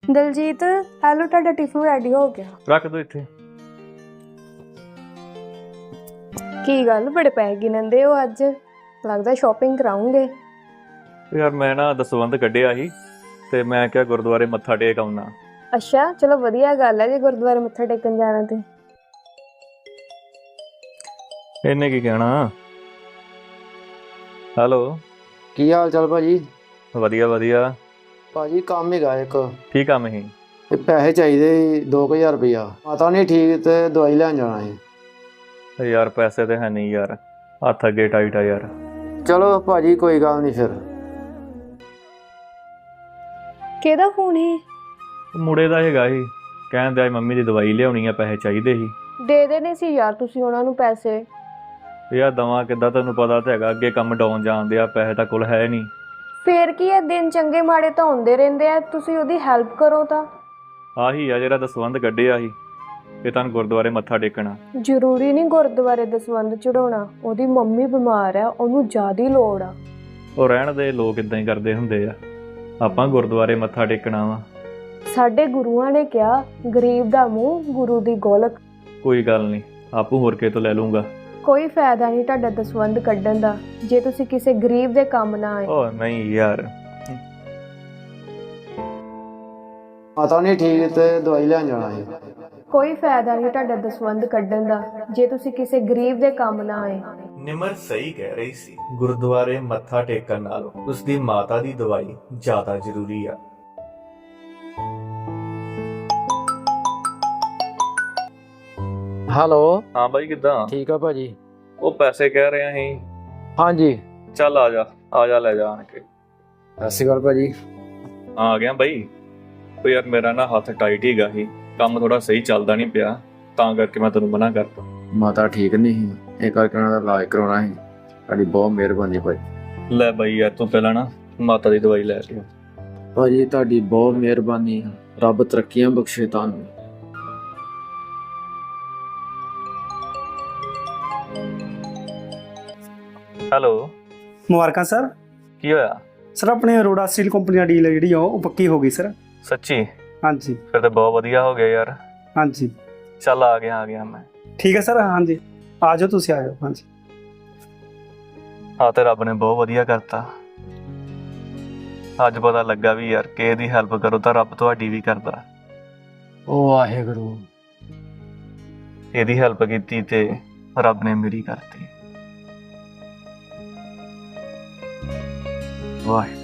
Daljit hello, ਤੁਹਾਡਾ tiffin ready ਹੋ ਗਿਆ। ਰੱਖ ਦੋ ਇੱਥੇ। ਕੀ ਗੱਲ ਬੜੇ ਪੈਸੇ ਗਿਣਦੇ ਹੋ ਅੱਜ? ਲੱਗਦਾ ਸ਼ਾਪਿੰਗ ਕਰਾਉਂਗੇ। ਯਾਰ ਮੈਂ ਨਾ ਦਸਵੰਧ ਕੱਢਿਆ ਸੀ ਤੇ ਮੈਂ ਕਿਹਾ ਗੁਰਦੁਆਰੇ ਮੱਥਾ ਟੇਕ ਆਉਣਾ। ਅੱਛਾ ਚਲੋ ਵਧੀਆ ਗੱਲ ਹੈ ਜੇ ਗੁਰਦੁਆਰੇ ਮੱਥਾ ਟੇਕਣ ਜਾਣਾ ਤੇ। ਇਹਨੇ ਕੀ ਕਹਿਣਾ। ਹੈਲੋ, ਕੀ ਹਾਲ ਚਾਲ ਭਾਜੀ? ਵਧੀਆ ਵਧੀਆ। ਭਾਜੀ ਕੰਮ ਹੈਗਾ ਇੱਕ। ਕੀ ਕੰਮ ਸੀ? ਇਹ ਪੈਸੇ ਚਾਹੀਦੇ 2000 ਰੁਪਇਆ। ਮਾਤਾ ਨਹੀਂ ਠੀਕ ਤੇ ਦਵਾਈ ਲੈਣ ਜਾਣਾ ਹੈ। ਯਾਰ ਪੈਸੇ ਤੇ ਹੈ ਨਹੀਂ ਯਾਰ, ਹੱਥ ਅੱਗੇ ਟਾਈਟ ਆ ਯਾਰ। ਚਲੋ ਭਾਜੀ ਕੋਈ ਗੱਲ ਨਹੀਂ ਫਿਰ। ਕਿਹਦਾ ਫੋਨ ਹੈ? ਮੁੰਡੇ ਦਾ ਹੈਗਾ ਸੀ, ਕਹਿੰਦੇ ਆ ਮੰਮੀ ਦੀ ਦਵਾਈ ਲਿਆਉਣੀ ਆ, ਪੈਸੇ ਚਾਹੀਦੇ ਸੀ। ਦੇ ਦੇਣੇ ਸੀ ਯਾਰ ਤੁਸੀਂ ਉਹਨਾਂ ਨੂੰ ਪੈਸੇ। ਯਾਰ ਦਵਾਂ ਕਿੱਦਾਂ, ਤੈਨੂੰ ਪਤਾ ਤਾਂ ਹੈਗਾ ਅੱਗੇ ਕੰਮ ਡਾਊਨ ਜਾਂਦੇ ਆ, ਪੈਸੇ ਤਾਂ ਕੋਲ ਹੈ ਨਹੀਂ। ਫੇਰ ਕੀ ਹੈ, ਦਿਨ ਚੰਗੇ ਮਾੜੇ ਤਾਂ ਹੁੰਦੇ ਰਹਿੰਦੇ ਆ, ਤੁਸੀਂ ਉਹਦੀ ਹੈਲਪ ਕਰੋ ਤਾਂ। ਆਹੀ ਆ ਜਿਹੜਾ ਦਸਵੰਧ ਕੱਢਿਆ ਸੀ, ਇਹ ਤੁਹਾਨੂੰ ਗੁਰਦੁਆਰੇ ਮੱਥਾ ਟੇਕਣਾ। ਜ਼ਰੂਰੀ ਨਹੀਂ ਗੁਰਦੁਆਰੇ ਦਸਵੰਧ ਚੜਾਉਣਾ, ਉਹਦੀ ਮੰਮੀ ਬਿਮਾਰ ਆ, ਉਹਨੂੰ ਜ਼ਿਆਦਾ ਲੋੜ ਆ। ਉਹ ਰਹਿਣ ਦੇ, ਲੋਕ ਇਦਾਂ ਹੀ ਕਰਦੇ ਹੁੰਦੇ ਆ। ਆਪਾਂ ਗੁਰਦੁਆਰੇ ਮੱਥਾ ਟੇਕਣਾ ਵਾ। ਸਾਡੇ ਗੁਰੂਆਂ ਨੇ ਕਿਹਾ ਗਰੀਬ ਦਾ ਮੂੰਹ ਗੁਰੂ ਦੀ ਗੋਲਕ। ਕੋਈ ਗੱਲ ਨਹੀਂ, ਆਪੂ ਹੋਰ ਕੇ ਤੋਂ ਲੈ ਲੂੰਗਾ। ਕੋਈ ਫਾਇਦਾ ਨਹੀਂ ਤੁਹਾਡਾ ਦਸਵੰਧ ਕੱਢਣ ਦਾ ਜੇ ਤੁਸੀਂ ਕਿਸੇ ਗਰੀਬ ਦੇ ਕੰਮ ਨਾ ਆਏ। ਓ ਨਹੀਂ ਯਾਰ, ਮਾਤਾ ਨਹੀਂ ਠੀਕ ਤੇ ਦਵਾਈ ਲੈਣ ਜਾਣਾ ਹੈ। ਕੋਈ ਫਾਇਦਾ ਨਹੀਂ ਤੁਹਾਡਾ ਦਸਵੰਧ ਕੱਢਣ ਦਾ ਜੇ ਤੁਸੀਂ ਕਿਸੇ ਗਰੀਬ ਦੇ ਕੰਮ ਨਾ ਆਏ। ਨਿਮਰ ਸਹੀ ਕਹਿ ਰਹੀ ਸੀ, ਗੁਰਦੁਆਰੇ ਮੱਥਾ ਟੇਕਣ ਨਾਲੋਂ ਉਸਦੀ ਮਾਤਾ ਦੀ ਦਵਾਈ ਜ਼ਿਆਦਾ ਜ਼ਰੂਰੀ ਆ। ਹੈਲੋ, ਹਾਂ ਬਾਈ ਕਿੱਦਾਂ? ਠੀਕ ਆ ਭਾਜੀ। ਉਹ ਪੈਸੇ ਕਹਿ ਰਿਹਾ ਸੀ। ਹਾਂਜੀ ਚੱਲ ਆ ਜਾ ਲੈ ਜਾ ਆਣ ਕੇ। ਸਤਿ ਸ਼੍ਰੀ ਅਕਾਲ ਭਾਜੀ। ਆ ਗਿਆ ਬਾਈ। ਉਹ ਯਾਰ ਮੇਰਾ ਨਾ ਹੱਥ ਟਾਈਟ ਹੀਗਾ ਸੀ, ਕੰਮ ਥੋੜਾ ਸਹੀ ਚੱਲਦਾ ਨਹੀਂ ਪਿਆ, ਤਾਂ ਕਰਕੇ ਮੈਂ ਤੈਨੂੰ ਮਨਾ ਕਰਤਾ। ਮਾਤਾ ਠੀਕ ਨਹੀਂ ਸੀ, ਇਹ ਕਰਕੇ ਉਹਨਾਂ ਦਾ ਇਲਾਜ ਕਰਾਉਣਾ ਸੀ। ਤੁਹਾਡੀ ਬਹੁਤ ਮਿਹਰਬਾਨੀ ਭਾਜੀ। ਲੈ ਬਾਈ ਯਾਰ ਤੂੰ ਪਹਿਲਾਂ ਨਾ ਮਾਤਾ ਦੀ ਦਵਾਈ ਲੈ ਲਿਓ। ਭਾਜੀ ਤੁਹਾਡੀ ਬਹੁਤ ਮਿਹਰਬਾਨੀ, ਰੱਬ ਤਰੱਕੀਆਂ ਬਖਸ਼ੇ ਤੁਹਾਨੂੰ। ਹੈਲੋ, ਮੁਬਾਰਕਾਂ ਸਰ। ਕੀ ਹੋਇਆ? ਸਰ ਆਪਣੇ ਅਰੋੜਾ ਸਟੀਲ ਕੰਪਨੀ ਦੀ ਡੀਲ ਜਿਹੜੀ ਆ ਉਹ ਪੱਕੀ ਹੋ ਗਈ ਸਰ। ਸੱਚੀ? ਹਾਂਜੀ ਫਿਰ ਤਾਂ ਬਹੁਤ ਵਧੀਆ ਹੋ ਗਿਆ ਯਾਰ। ਹਾਂਜੀ ਚੱਲ ਆ ਗਿਆ ਮੈਂ। ਠੀਕ ਹੈ ਸਰ। ਹਾਂਜੀ ਆ ਜਾਓ, ਤੁਸੀਂ ਆ ਜਾਓ। ਹਾਂਜੀ ਆ ਤੇ ਰੱਬ ਨੇ ਬਹੁਤ ਵਧੀਆ ਕਰਤਾ। ਅੱਜ ਪਤਾ ਲੱਗਾ ਵੀ ਯਾਰ ਕਿ ਇਹਦੀ ਹੈਲਪ ਕਰੋ ਤਾਂ ਰੱਬ ਤੁਹਾਡੀ ਵੀ ਕਰਦਾ। ਉਹ ਵਾਹਿਗੁਰੂ। ਇਹਦੀ ਹੈਲਪ ਕੀਤੀ ਤੇ ਰੱਬ ਨੇ ਮੇਰੀ ਕਰਤੀ। ਵਾਹਿਗੁਰੂ।